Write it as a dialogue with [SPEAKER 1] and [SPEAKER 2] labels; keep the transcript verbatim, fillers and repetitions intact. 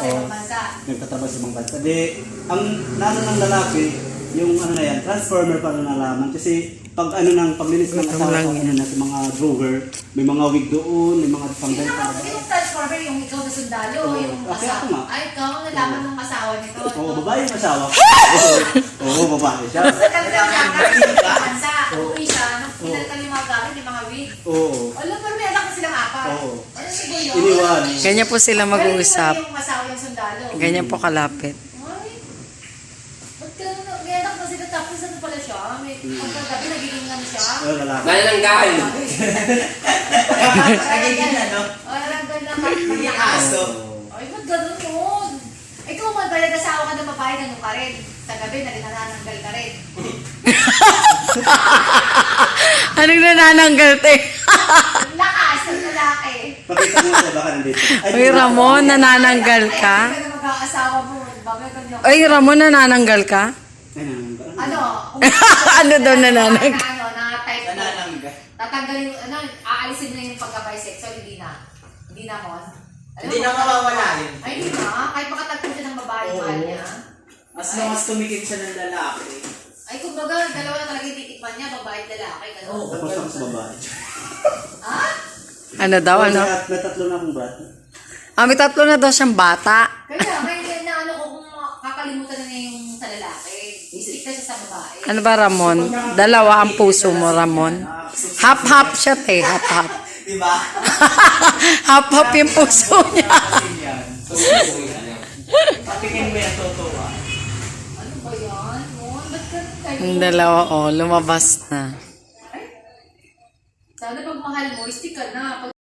[SPEAKER 1] sa ibang bansa.
[SPEAKER 2] Nagtatrabaho sa ibang bansa. Di, ang nano ng lalaki, yung ano na yan, transformer para nalaman. Kasi pag ano nang paglinis ng asawa,
[SPEAKER 3] lang
[SPEAKER 2] ano na sa mga drawer, may mga wig doon, may mga panggal
[SPEAKER 1] Sino
[SPEAKER 2] pa.
[SPEAKER 1] mo, yung transformer, yung ikaw na sundalo,
[SPEAKER 2] Oo.
[SPEAKER 1] yung
[SPEAKER 2] Kasi
[SPEAKER 1] asawa.
[SPEAKER 2] ako nga.
[SPEAKER 1] Ay, ikaw, nalaman ng asawa nito.
[SPEAKER 2] Oo, babae yung asawa. Oo, oo, babae siya.
[SPEAKER 1] Sa kanilang gamit sa ibang bansa. Uwi siya, nung pinalitan yung mga gamit, yung mga wig.
[SPEAKER 2] Oo.
[SPEAKER 1] Alam, pero may anak na silang apat.
[SPEAKER 2] Oo.
[SPEAKER 1] Ano siguro yun?
[SPEAKER 2] Iniwan.
[SPEAKER 3] Ganyan po sila mag-uusap.
[SPEAKER 1] Pero yung asawa yung sundalo.
[SPEAKER 3] Ganyan po kalapit.
[SPEAKER 1] Ay, ba't ka na, may anak na sila tapos ano pala siya? May pagkagabi nagiging ano siya?
[SPEAKER 2] Oo, lalaki.
[SPEAKER 4] Manananggal.
[SPEAKER 1] Nagiging ano? O, naranggal na kapilikas. Ay, ba't ganun yun? Ikaw man, pala nasawa ka ng babae, ganun ka rin. Sa gabi, nanananggal ka rin.
[SPEAKER 3] Anong nanananggal, te?
[SPEAKER 1] Ang lakas ng lalaki.
[SPEAKER 2] Pakita mo sa baka nandito.
[SPEAKER 3] Uy, Ramon, nanananggal ka?
[SPEAKER 1] Ay, hindi ka na mag-aasawa mo. Bakit ganyan?
[SPEAKER 3] Uy, Ramon, nanananggal ka?
[SPEAKER 2] Ay, nananggal.
[SPEAKER 1] Ano?
[SPEAKER 3] Ano daw nanananggal?
[SPEAKER 1] Na, ano, na type mo.
[SPEAKER 4] Nanananggal.
[SPEAKER 1] Tatanggalin, ano, aalisin na yung pagka-bisexual, hindi na. Hindi na, Mon. Alam
[SPEAKER 4] Hindi
[SPEAKER 1] mo,
[SPEAKER 4] na mawawala yun.
[SPEAKER 1] Ay, hindi na. Kahit makatagpo siya ng babae,
[SPEAKER 4] Oo.
[SPEAKER 1] mahal niya.
[SPEAKER 4] As long as tumikip siya ng lalaki.
[SPEAKER 1] Ay, kumbaga, dalawa na talaga yung titikman niya, babae at lalaki. Ganun.
[SPEAKER 4] Oo.
[SPEAKER 2] Tapos ako sa babae.
[SPEAKER 1] Ha?
[SPEAKER 3] Ano daw, ano?
[SPEAKER 2] May- May tatlo na akong bata.
[SPEAKER 3] Ah, may tatlo na daw siyang bata.
[SPEAKER 1] Kaya, kaya na ano ko kung kakalimutan na niya yung sa lalaki. Istik na siya sa babae.
[SPEAKER 3] Ano ba, Ramon? Dalawa ang puso mo, Ramon. Hap-hap siya, te. Hap-hap.
[SPEAKER 4] Diba?
[SPEAKER 3] Hap-hap yung puso niya.
[SPEAKER 4] Kasi yan. So, patikin mo yan, totoo ah.
[SPEAKER 1] Ano ba yan? Mon, ba't ganun kayo?
[SPEAKER 3] Ang dalawa, oh, lumabas na.
[SPEAKER 1] Ay, sana pag mahal mo, istik ka na. Pag